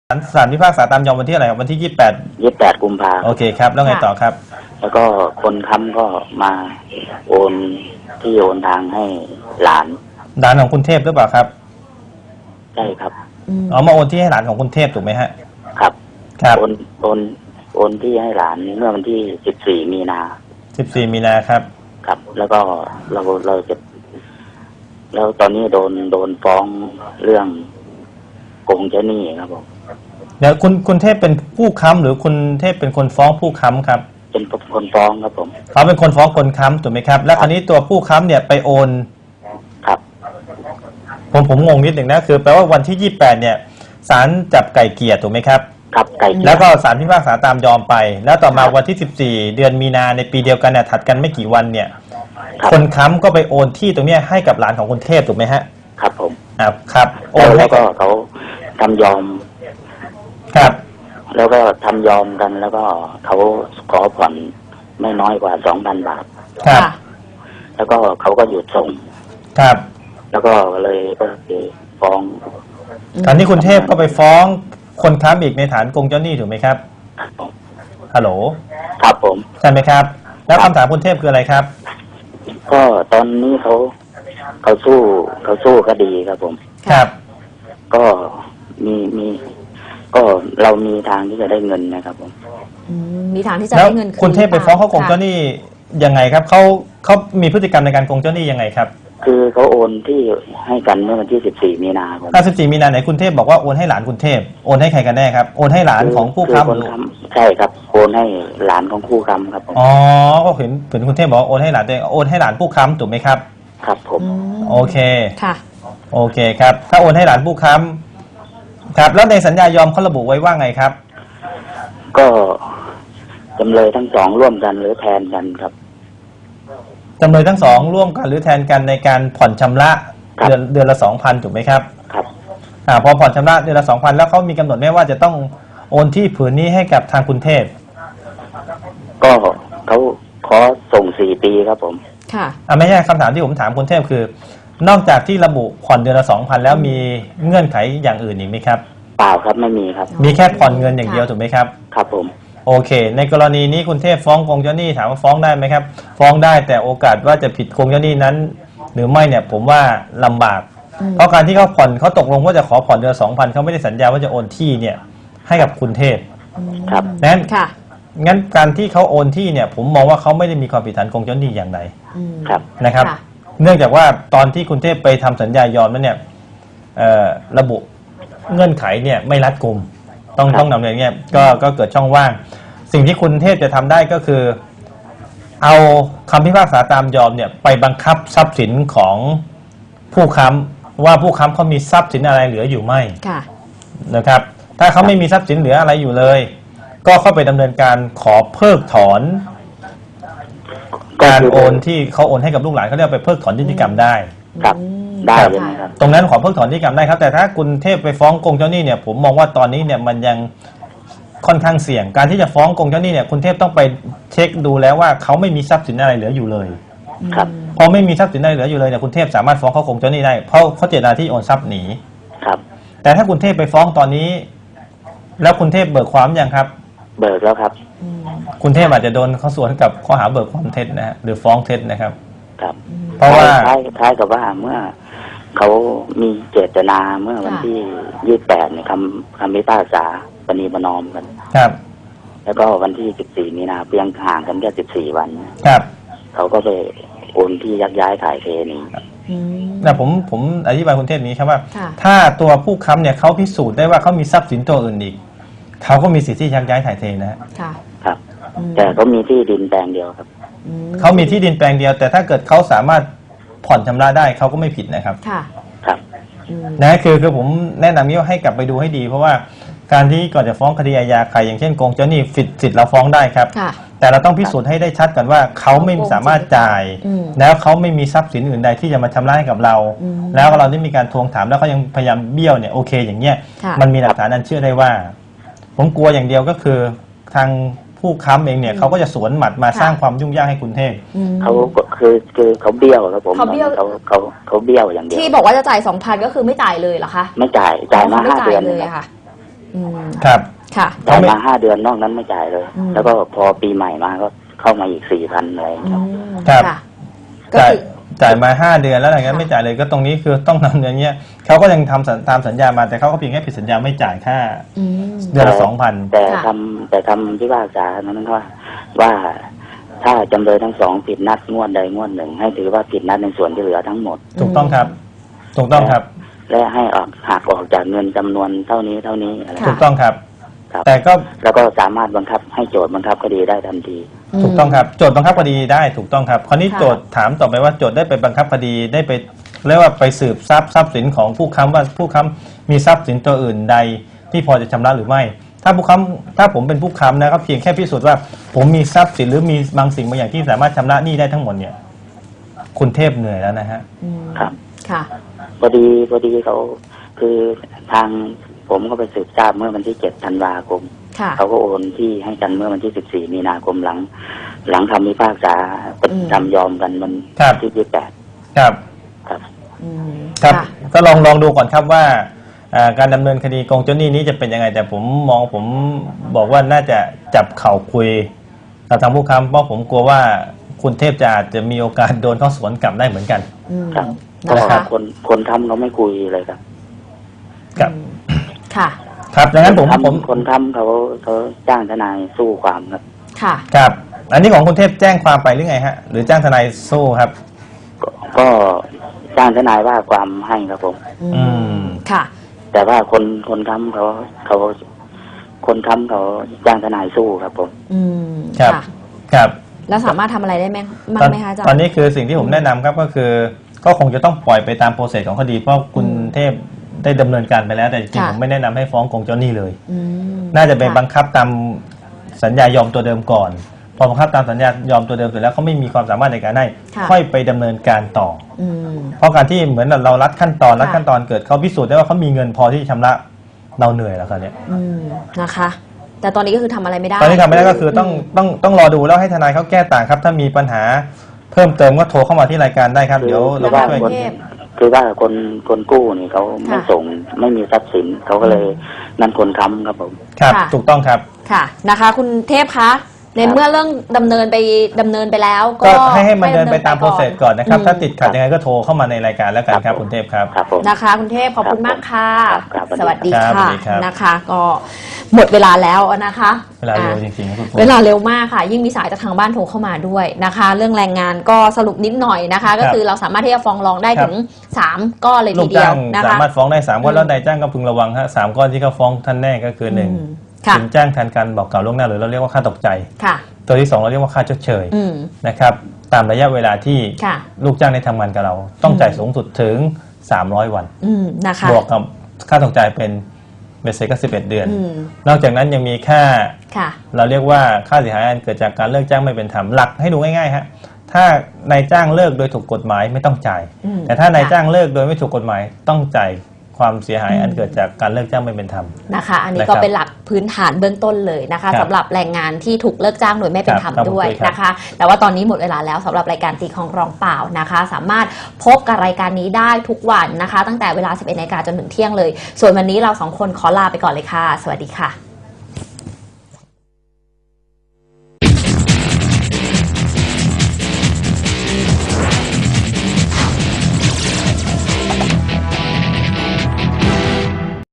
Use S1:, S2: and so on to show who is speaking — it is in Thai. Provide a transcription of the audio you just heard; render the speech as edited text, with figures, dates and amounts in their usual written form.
S1: ศาลพิพากษาตามยอมวันที่อะไรครับวันที่
S2: 28 กุมภา
S1: โอเคครับแล้วไงต่อครับ
S2: แล้วก็คนค้ำก็มาโอนที่โอนทางให้หลาน
S1: ของคุณเทพหรือเปล่าครับ
S2: ใช่ครับ
S1: มาโอนที่ให้หลานของคุณเทพถูกไหมฮะ
S2: ครับโอนที่ให้หลานเมื่อวันที่14 มีนา
S1: ครับ
S2: ครับแล้วก็เราจะแล้วตอนนี้โดนฟ้องเรื่องโกงเจ้าหนี้ครับผม
S1: เดี๋ยวคุณเทพเป็นผู้ค้ำหรือคุณเทพเป็นคนฟ้องผู้ค้ำครับ
S2: เป็นคนฟ้องครับผม
S1: เขาเป็นคนฟ้องคนค้ำถูกไหมครับแล้วคราวนี้ตัวผู้ค้ำเนี่ยไปโอน
S2: ครับ
S1: ผมงงนิดหนึ่งนะคือแปลว่าวันที่28เนี่ยศาลจับไก่เกลี่ยถูกไหมครับ
S2: ครับไก่เกลี่ย
S1: แล้วก็ศาลพิพากษาตามยอมไปแล้วต่อมาวันที่14 เดือนมีนาในปีเดียวกันเนี่ยถัดกันไม่กี่วันเนี่ยคนค้ำก็ไปโอนที่ตรงนี้ให้กับหลานของคุณเทพถูกไหมฮะ
S2: ครับผม
S1: ครับโอน
S2: แล้วก็เขาทำยอม
S1: ครับ
S2: แล้วก็ทำยอมกันแล้วก็เขาขอผ่อนไม่น้อยกว่า 2,000 บาท
S1: ครับ
S2: แล้วก็เขาก็หยุดส่ง
S1: ครับ
S2: แล้วก็เลยฟ้อง
S1: คราวนี้คุณเทพก็ไปฟ้องคนค้ำอีกในฐานโกงเจ้าหนี้ถูกไหมครับฮัลโหล
S2: ครับผม
S1: ใช่ไหมครับแล้วคำถามคุณเทพคืออะไรครับ
S2: ก็ตอนนี้เขาสู้คดีครับผม
S1: ครับ
S2: ก็มีก็เรามีทางที่จะได้เงินนะครับผม
S3: มีทางที่จะได้เงิน
S1: คืนคุณเทพไปฟ้องเขาโกงเจ้าหนี้ยังไงครับเขามีพฤติกรรมในการโกงเจ้าหนี้ยังไงครับ
S2: คือเขาโอนที่ให้กันเมื่อวันที่14 มีนาคม
S1: 14 มีนาไหนคุณเทพบอกว่าโอนให้หลานคุณเทพโอนให้ใครกันแน่ครับโอนให้หลานของผู้ค้
S2: ำใช่ครับโอนให้หลานของผู้ค้ำครับผม
S1: อ๋อก็เห็นคุณเทพบอกโอนให้หลานตัวเองโอนให้หลานผู้ค้ำถูกไหมครับ
S2: ครับผม
S1: โอเค
S3: ค่ะ
S1: โอเคครับถ้าโอนให้หลานผู้ค้ำครับแล้วในสัญญายอมเขาระบุไว้ว่าไงครับ
S2: ก็จำเลยทั้งสองร่วมกันหรือแทนกันครับ
S1: จำเลยทั้งสองร่วมกันหรือแทนกันในการผ่อนชำระเดือนละ 2,000 ถูกไหมครับ
S2: ครับ
S1: พอผ่อนชำระเดือนละ 2,000 แล้วเขามีกำหนดไหมว่าจะต้องโอนที่ผืนนี้ให้กับทางคุณเทพ
S2: ก็เขาขอส่ง4 ปีครับผม
S3: ค่ะ
S1: ไม่ใช่คำถามที่ผมถามคุณเทพคือนอกจากที่ระบุผ่อนเดือนละ 2,000 แล้วมีเงื่อนไขอย่างอื่นอีกไหมครับ
S2: เปล่าครับไม่มีครับ
S1: มีแค่ผ่อนเงินอย่างเดียวถูกไหมครับ
S2: ครับผม
S1: โอเคในกรณีนี้คุณเทพฟ้องโกงเจ้าหนี้ถามว่าฟ้องได้ไหมครับฟ้องได้แต่โอกาสว่าจะผิดโกงเจ้าหนี้นั้นหรือไม่เนี่ยผมว่าลำบากเพราะการที่เขาผ่อนเขาตกลงว่าจะขอผ่อนเดือนละ 2,000เขาไม่ได้สัญญาว่าจะโอนที่เนี่ยให้กับคุณเทพ
S2: ครับ
S1: งั้นการที่เขาโอนที่เนี่ยผมมองว่าเขาไม่ได้มีความผิดฐานโกงเจ้าหนี้อย่างใดนะครับเนื่องจากว่าตอนที่คุณเทพไปทำสัญญายอมนั้นเนี่ยระบุเงื่อนไขเนี่ยไม่รัดกุมต้องนำเรียนเนี่ยก็เกิดช่องว่างสิ่งที่คุณเทพจะทำได้ก็คือเอาคำพิพากษาตามยอมเนี่ยไปบังคับทรัพย์สินของผู้ค้ำว่าผู้ค้ำเขามีทรัพย์สินอะไรเหลืออยู่ไหมนะครับถ้าเขาไม่มีทรัพย์สินเหลืออะไรอยู่เลยก็เข้าไปดำเนินการขอเพิกถอนการโอนที่เขาโอนให้กับลูกหลานเขาเรียกไปเพิกถอนนิติกรรมได้
S2: ครับได้เลยครับ
S1: ตรงนั้นขอเพิกถอนนิติกรรมได้ครับแต่ถ้าคุณเทพไปฟ้องโกงเจ้าหนี้เนี่ยผมมองว่าตอนนี้เนี่ยมันยังค่อนข้างเสี่ยงการที่จะฟ้องโกงเจ้าหนี้เนี่ยคุณเทพต้องไปเช็คดูแล้วว่าเขาไม่มีทรัพย์สินอะไรเหลืออยู่เลย
S2: ครับ
S1: พอไม่มีทรัพย์สินอะไรเหลืออยู่เลยเนี่ยคุณเทพสามารถฟ้องเขาโกงเจ้าหนี้ได้เพราะเขาเจตนาที่โอนทรัพย์หนี
S2: ครับ
S1: แต่ถ้าคุณเทพไปฟ้องตอนนี้แล้วคุณเทพเบิกความยังครับ
S2: เบิกแล้วครับ
S1: คุณเทพอาจจะโดนเขาสวนกับข้อหาเบิกความเท็จนะฮะหรือฟ้องเท็จนะครับ
S2: ครับ
S1: เพราะว่า
S2: คล้ายกับว่าเมื่อเขามีเจตนาเมื่อวันที่28เนี่ยคำพิพากษาปณีประนอมกัน
S1: ครับ
S2: แล้วก็วันที่14 มีนาเพียงห่างกันแค่14 วัน
S1: ครับ
S2: เขาก็ไปโอนที่ยักย้ายถ่ายเทนี้
S1: นะผมอธิบายคุณเทพนี้ครับว่าถ้าตัวผู้ค้ำเนี่ยเขาพิสูจน์ได้ว่าเขามีทรัพย์สินตัวอื่นอีกเขาก็มีสิทธิ์ที่ยักย้ายถ่ายเท
S2: นะครับแต่เขามีที่ดินแปลงเดียวครับ
S1: เขามีที่ดินแปลงเดียวแต่ถ้าเกิดเขาสามารถผ่อนชำระได้เขาก็ไม่ผิดนะครับ
S2: ครับ
S1: นะคือผมแนะนำนี้ว่าให้กลับไปดูให้ดีเพราะว่าการที่ก่อนจะฟ้องคดีอาญาใครอย่างเช่นโกงเจ้าหนี้สิทธิ์เราฟ้องได้ครับแต่เราต้องพิสูจน์ให้ได้ชัดก่อนว่าเขาไม่สามารถจ่ายแล้วเขาไม่มีทรัพย์สินอื่นใดที่จะมาชำระให้กับเราแล้วเราได้มีการทวงถามแล้วเขายังพยายามเบี้ยวเนี่ยโอเคอย่างเงี้ยมันมีหลักฐานอันเชื่อได้ว่าผมกลัวอย่างเดียวก็คือทางผู้ค้ำเองเนี่ยเขาก็จะสวนหมัดมาสร้างความยุ่งยากให้คุณเทพ
S2: เขาคือเขาเบี้ยวครับผมเขาเบี้ยวอย่างเดียว
S3: ที่บอกว่าจะจ่าย 2,000 ก็คือไม่จ่ายเลยเหรอคะ
S2: ไม่จ่ายมา5 เดือนเลย
S3: ค่ะ
S1: ครับ
S3: ค่ะ
S2: จ่ายมา5 เดือนนอกนั้นไม่จ่ายเลย
S3: อืม
S2: แล้วก็พอปีใหม่มาก็เข้ามาอีก4,000อะไรอย่างเงี้ย
S1: ครับ
S3: ค่ะก็
S1: จ่าย
S3: คือ
S1: จ่ายมา5 เดือนแล้วหลังจากนั้น
S3: ค่ะ
S1: ไม่จ่ายเลยก็ตรงนี้คือต้องนำอย่างเงี้ยเขาก็ยังทำตามสัญญามาแต่เขาก็เพียงแค่ผิดสัญญาไม่จ่ายค่า
S3: อืม
S1: เดือนละ 2,000
S2: แต่
S3: ค่ะ
S2: คำพิพากษานั้นว่าถ้าจำเลยทั้งสองผิดนัดงวดใดงวดหนึ่ง ให้ถือว่าผิดนัดในส่วนที่เหลือทั้งหมด
S1: ถูกต้องครับ ถูกต้องครับ
S2: และให้หักออกจากเงินจำนวนเท่านี้อะไร
S3: ค่ะ
S1: ถูกต้องครับ
S2: ครับ
S1: แต่ก็
S2: แล้วก็สามารถบังคับให้โจทย์บังคับคดีได้ทันที
S1: ถูกต้องครับโจทย์บังคับคดีได้ถูกต้องครับคราวนี้
S3: ค่ะ
S1: โจทย์ถามต่อไปว่าโจทย์ได้ไปบังคับคดีได้ไปเรียกว่าไปสืบทรัพย์สินของผู้ค้ำว่าผู้ค้ำมีทรัพย์สินตัวอื่นใดที่พอจะชำระหรือไม่ ถ้าผู้ค้ำถ้าผมเป็นผู้ค้ำนะครับเพียงแค่พิสูจน์ว่าผมมีทรัพย์สินหรือมีบางสิ่งบางอย่างที่สามารถชำระหนี้ได้ทั้งหมดเนี่ยคุณเทพเหนื่อยแล้วนะฮะ
S2: ครับ
S3: ค่ะ
S2: พอดีเขาคือทางผมก็ไปสืบทราบเมื่อวันที่7 ธันวาคม
S3: ค่ะ
S2: เขาก็โอนที่ให้กันเมื่อวันที่ 14 มีนาคมหลังคำพิพากษาจำยอมกันวัน
S1: ครับ
S2: ที่ 28
S1: ครับ
S2: ครับ
S1: ครับ
S3: ค่ะ
S1: ก็ลองดูก่อนครับว่าการดำเนินคดีโกงเจ้าหนี้นี้จะเป็นยังไงแต่ผมบอกว่าน่าจะจับเข่าคุยกับทางผู้ค้ำเพราะผมกลัวว่าคุณเทพจะอาจจะมีโอกาสโดนเข้าสวนกลับได้เหมือนกัน
S2: ครับ
S3: นะ
S2: ก็
S3: คะ
S2: คนทำเขาไม่คุยเลยครับ
S1: ครับ
S3: ค่ะ
S1: ครับดังนั้นผม
S2: คนทำเขาจ้างทนายสู้ความครับ
S3: ค่ะ
S1: ครับ อันนี้ของคุณเทพแจ้งความไปหรือไงฮะหรือจ้างทนายสู้ครับ
S2: ก็จ้างทนายว่าความให้ครับผม
S1: อืม
S3: ค่ะ
S2: แต่ว่าคนทำคนทำเขาจ้างทนายสู้ครับผม
S1: ครับ
S3: ค่ะ
S1: ครับ
S3: แล้วสามารถทำอะไรได้ไหมบ้างไหมคะอาจารย์
S1: ตอนนี้คือสิ่งที่ผมแนะนำครับก็คือ ก็คงจะต้องปล่อยไปตามโปรเซสของคดีเพราะคุณเทพได้ดำเนินการไปแล้วแต่จริงๆ
S3: ค่ะ
S1: ผมไม่แนะนำให้ฟ้องโกงเจ้าหนี้เลย
S3: อืม
S1: น่าจะไป
S3: ค่
S1: บังคับตามสัญญายอมตัวเดิมก่อน พอบังคับตามสัญญายอมตัวเดิมเสร็จแล้วเขาไม่มีความสามารถในการให้
S3: ค่ะ
S1: ค่อยไปดำเนินการต่อ
S3: อืม
S1: เพราะการที่เหมือนเรารัดขั้นตอน
S3: ค่ะ
S1: รัดขั้นตอนเกิดเขาพิสูจน์ได้ว่าเขามีเงินพอที่จะชำระเราเหนื่อยแล้วครับเนี่ย
S3: นะคะ แต่ตอนนี้ก็คือทำอะไรไม่ได้
S1: ตอนนี้ทำไม่ได้ก็คือต้องรอดูแล้วให้ทนายเขาแก้ต่างครับ ถ้ามีปัญหาเพิ่มเติมก็โทรเข้ามาที่รายการได้ครับ เดี๋ยวเรา
S3: ค่ะ
S1: ช่วย
S3: คุณเทพ
S2: คือว่าคนกู้นี่เขาไม่
S3: ค่ะ
S2: ส่งไม่มีทรัพย์สินเขาก็เลยนั่นคนค้ำครับผม
S1: ครับ
S3: ค่ะ
S1: ถูกต้องครับ
S3: ค่ะนะคะ คุณเทพคะในเมื่อเรื่องดำเนินไปแล้ว
S1: ก็
S3: ก็
S1: ให้มันเดินไปตามโปรเซสก่อนนะครับ
S3: อืม
S1: ถ้าติดขัดยังไงก็โทรเข้ามาในรายการแล้วกันครับคุณเทพครับ
S2: ครับผม
S3: นะคะ คุณเทพขอบคุณมากค่ะ
S2: ครับ
S3: สวัสดี
S1: ครับสวั
S3: ค่ะ
S1: สดีครับ
S3: นะคะ ก็หมดเวลาแล้วนะคะ
S1: เวลาเร็วจริงๆครับคุณ
S3: เวลาเร็วมากค่ะ ยิ่งมีสายจากทางบ้านโทรเข้ามาด้วยนะคะ เรื่องแรงงานก็สรุปนิดหน่อยนะคะ ก็คือเราสามารถที่จะฟ้องร้องได้ถึง3ก้อนเลย
S1: ลู
S3: ที
S1: ก
S3: เดีย
S1: จ้าว ง
S3: นะ
S1: สา
S3: คะ
S1: มารถฟ้องได้3ข้อแล้วนายจ้างก็พึงระวังฮะ3ข้อที่เขาฟ้องท่านแน่ก็คือ
S3: อืม
S1: 1
S3: ค่ะ
S1: สินจ้างแทนการบอกกล่าวล่วงหน้าหรือเราเรียกว่าค่าตกใจ
S3: ค่ะ
S1: ตัวที่ 2 เราเรียกว่าค่าชดเชย
S3: อืม
S1: นะครับตามระยะเวลาที่
S3: ค่ะ
S1: ลูกจ้างได้ทำงานกับเรา ต้องจ่ายสูงสุดถึง300 วัน
S3: นะคะ
S1: บวกกับค่าตกใจเป็นเบสเซ็ตก็11 เดือน
S3: อืม
S1: นอกจากนั้นยังมีค่า
S3: ค่ะ
S1: เราเรียกว่าค่าเสียหายอันเกิดจากการเลิกจ้างไม่เป็นธรรมหลักให้ดูง่ายๆฮะถ้านายจ้างเลิกโดยถูกกฎหมายไม่ต้องจ่าย
S3: อืม
S1: แต่ถ้านายจ้างเลิกโดยไม่ถูกกฎหมายต้องจ่ายความเสียหายอันเกิดจากการเลิกจ้างไม่เป็นธรรม
S3: นะคะ อันนี้
S1: นะค
S3: ก็
S1: รับ
S3: เป็นหลักพื้นฐานเบื้องต้นเลยนะคะ
S1: ครับ
S3: สำหรับแรงงานที่ถูกเลิกจ้างโดยไม่เป็นธรรม
S1: ครับ
S3: ด้วย
S1: ครับ
S3: นะคะ แต่ว่าตอนนี้หมดเวลาแล้วสำหรับรายการตีของรองเปล่านะคะ สามารถพบกับรายการนี้ได้ทุกวันนะคะ ตั้งแต่เวลา 11 นาฬิกาจนถึงเที่ยงเลย ส่วนวันนี้เรา2 คนขอลาไปก่อนเลยค่ะ สวัสดีค่ะ